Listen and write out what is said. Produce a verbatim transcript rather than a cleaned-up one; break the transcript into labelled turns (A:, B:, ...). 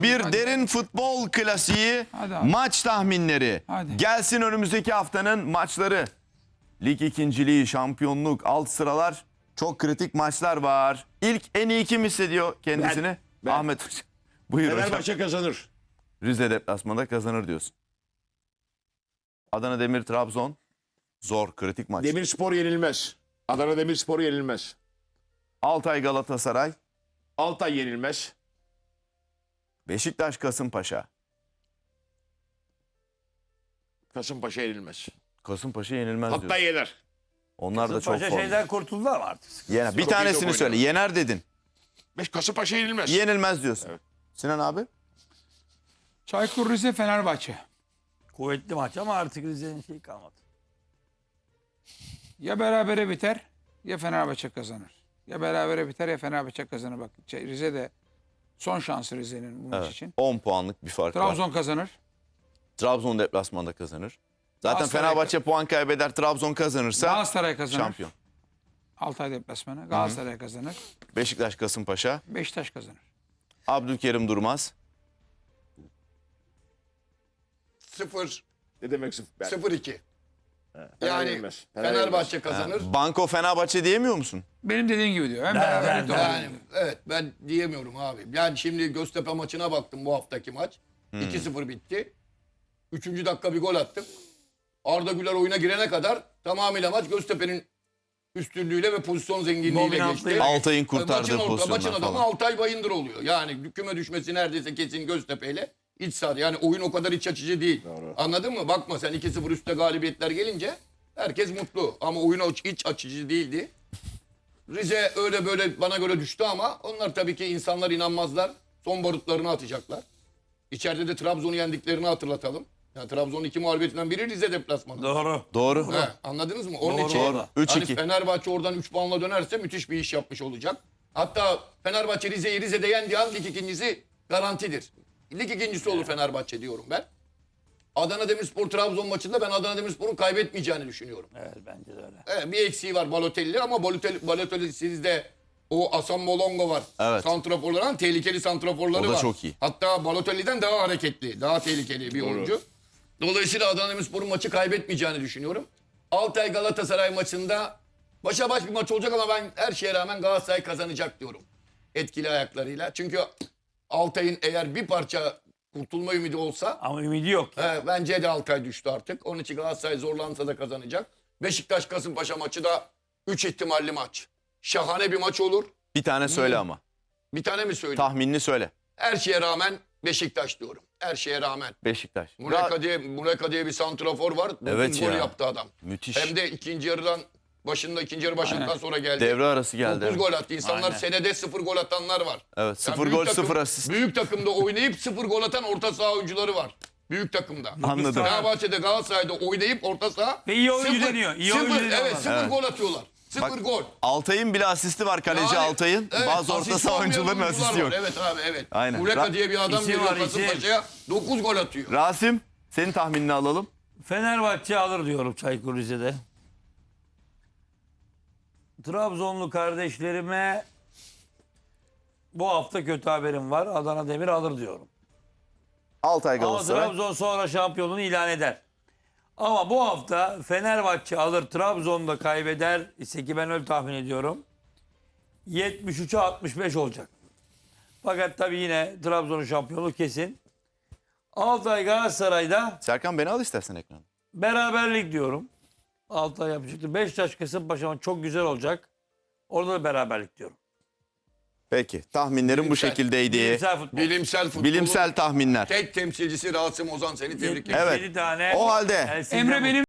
A: Bir
B: Hadi.
A: derin futbol klasiği,
B: Hadi abi.
A: maç tahminleri.
B: Hadi.
A: Gelsin önümüzdeki haftanın maçları. Lig ikinciliği, şampiyonluk, alt sıralar. Çok kritik maçlar var. İlk en iyi kim hissediyor kendisini?
C: Ben, ben.
A: Ahmet Hoca. Buyur hocam.
C: Fenerbahçe kazanır.
A: Rize deplasmanda kazanır diyorsun. Adana Demir Trabzon. Zor, kritik maç.
C: Demirspor yenilmez. Adana Demirspor yenilmez.
A: Altay Galatasaray.
C: Altay yenilmez.
A: Beşiktaş Kasımpaşa.
C: Kasımpaşa yenilmez.
A: Kasımpaşa yenilmez
C: Hatta
A: diyorsun.
C: yener.
A: Onlar da çok
D: Kasımpaşa
A: formda.
D: şeyden kurtuldular mı artık?
A: Yener. Bir
C: Çok iyi
A: tanesini
C: top
A: söyle.
C: oynuyor.
A: Yener dedin.
C: Beş Kasımpaşa yenilmez.
A: Yenilmez diyorsun.
C: Evet.
A: Sinan abi?
B: Çaykur Rize Fenerbahçe.
D: Kuvvetli maç ama artık Rize'nin şeyi kalmadı.
B: Ya berabere biter ya Fenerbahçe kazanır. Ya berabere biter ya Fenerbahçe kazanır. Bak şey, Rize de son şansı Rize'nin bu maç
A: Evet.
B: için.
A: on puanlık bir fark var.
B: Trabzon kazanır.
A: Trabzon deplasmanda kazanır. Zaten
B: Galatasaray-
A: Fenerbahçe puan kaybeder, Trabzon kazanırsa
B: Galatasaray kazanır.
A: şampiyon.
B: Altay deplasmanı. Galatasaray kazanır.
A: Beşiktaş Kasımpaşa.
B: Beşiktaş kazanır.
A: Abdülkerim Durmaz.
E: Sıfır,
C: Ne demek sıfır? Ben-
E: sıfır iki.
C: Fener
E: Yani
C: yenilmez. Fener
E: Fenerbahçe kazanır.
A: Banko Fenerbahçe diyemiyor musun?
B: Benim dediğim gibi diyor. Hem
D: Ben-
B: beraber
D: ben-
B: de
E: Yani evet ben diyemiyorum abi. Yani şimdi Göztepe maçına baktım bu haftaki maç. iki sıfır bitti. Üçüncü dakika bir gol attık. Arda Güler oyuna girene kadar tamamıyla maç Göztepe'nin üstünlüğüyle ve pozisyon zenginliğiyle
D: Dominantlığıyla.
E: geçti.
A: Altay'ın
E: Maçın,
A: kurtardığı
E: orta, maçın
A: pozisyonlar
E: adamı
A: falan.
E: Altay Bayındır oluyor. Yani küme düşmesi neredeyse kesin Göztepe'yle iç saha. Yani oyun o kadar iç açıcı değil.
C: Doğru.
E: Anladın mı? Bakma sen iki sıfır üstte galibiyetler gelince herkes mutlu. Ama oyun o- iç açıcı değildi. Rize öyle böyle bana göre düştü ama onlar tabii ki insanlar inanmazlar. Son barutlarını atacaklar. İçeride de Trabzon'u yendiklerini hatırlatalım. Yani Trabzon'un iki mağlubiyetinden biri Rize deplasmanı.
D: Doğru.
A: Doğru.
E: He, anladınız mı? Onun
D: Doğru,
E: için
D: doğru.
A: üç
E: hani
A: iki.
E: Fenerbahçe oradan üç puanla dönerse müthiş bir iş yapmış olacak. Hatta Fenerbahçe Rize'yi Rize'de yendiği an lig ikincisi garantidir. Lig ikincisi olur Fenerbahçe diyorum ben. Adana Demirspor Trabzon maçında ben Adana Demirspor'un kaybetmeyeceğini düşünüyorum.
D: Evet bence de öyle.
E: Evet, bir eksiği var Balotelli ama Balotelli, Balotelli sizde o Hasan Molongo var.
A: Evet.
E: Santraforların tehlikeli santraforları
A: O da
E: var.
A: çok iyi.
E: Hatta Balotelli'den daha hareketli, daha tehlikeli bir oyuncu. Dolayısıyla Adana Demirspor'un maçı kaybetmeyeceğini düşünüyorum. Altay Galatasaray maçında başa baş bir maç olacak ama ben her şeye rağmen Galatasaray kazanacak diyorum. Etkili ayaklarıyla. Çünkü Altay'ın eğer bir parça kurtulma ümidi olsa
D: Ama ümidi yok. ya.
E: He, bence de Altay düştü artık. Onun için Galatasaray zorlansa da kazanacak. Beşiktaş Kasımpaşa maçı da üç ihtimalli maç. Şahane bir maç olur.
A: Bir tane söyle ama.
E: Bir tane mi söyleyeyim?
A: Tahminini söyle.
E: Her şeye rağmen Beşiktaş diyorum. Her şeye rağmen.
A: Beşiktaş.
E: Mureka diye, Mureka diye bir santrafor var. dokuz
A: Evet
E: gol
A: ya.
E: yaptı adam.
A: Müthiş.
E: Hem de ikinci yarıdan başında ikinci yarı başından
B: Aynen.
E: sonra geldi.
A: Devre arası geldi.
E: dokuz gol attı. İnsanlar
D: Aynen.
E: senede sıfır gol atanlar var.
A: Evet,
E: Yani
A: sıfır
E: büyük
A: gol,
E: takım-
A: sıfır asist.
E: Büyük takımda oynayıp sıfır gol atan orta saha oyuncuları var. Büyük takımda.
A: Anladım.
E: Fenerbahçe'de Galatasaray'da oynayıp orta saha
D: Ve iyi oyuncu
E: sıfır-
D: deniyor, iyi
E: sıfır,
D: oyuncu deniyor
E: Evet
D: onlar.
E: sıfır
A: Evet.
E: gol atıyorlar. Sıfır
A: Bak,
E: gol.
A: Altay'ın bile asisti var, kaleci
E: Yani,
A: Altay'ın.
E: evet,
A: Bazı orta
E: asist
A: saha
E: olmayan
A: oyuncuların
E: oyuncular
A: asisti
E: var.
A: yok.
E: Evet abi evet.
A: Aynen.
E: Mureka
A: Ra-
E: diye bir adam
D: İsim
E: geliyor
D: var, isim.
E: Kasımpaşa'ya dokuz gol atıyor.
A: Rasim, senin tahminini alalım.
D: Fenerbahçe alır diyorum Çaykur Rize'de. Trabzonlu kardeşlerime bu hafta kötü haberim var. Adana Demir alır diyorum.
A: Altay
D: Ama
A: Galatasaray.
D: Trabzon sonra şampiyonluğunu ilan eder. Ama bu hafta Fenerbahçe alır, Trabzon'da kaybeder ise ki ben öyle tahmin ediyorum. yetmiş üçe altmış beş olacak. Fakat tabii yine Trabzon'un şampiyonluğu kesin. Altay Galatasaray'da
A: Serkan beni al istersen ekrana.
D: beraberlik diyorum. Altay yapacaktır. Beşiktaş Kasımpaşa çok güzel olacak. Orada da beraberlik diyorum.
A: Peki, tahminlerim bu
E: Bilimsel.
A: şekildeydi.
D: Bilimsel futbol.
E: Bilimsel futbolun
A: Bilimsel tahminler.
E: tek temsilcisi Rasim Ozan seni tebrik ederim.
A: Evet.
D: yetmiş yedi tane
A: O halde
D: El Sindem'in-
B: Emre benim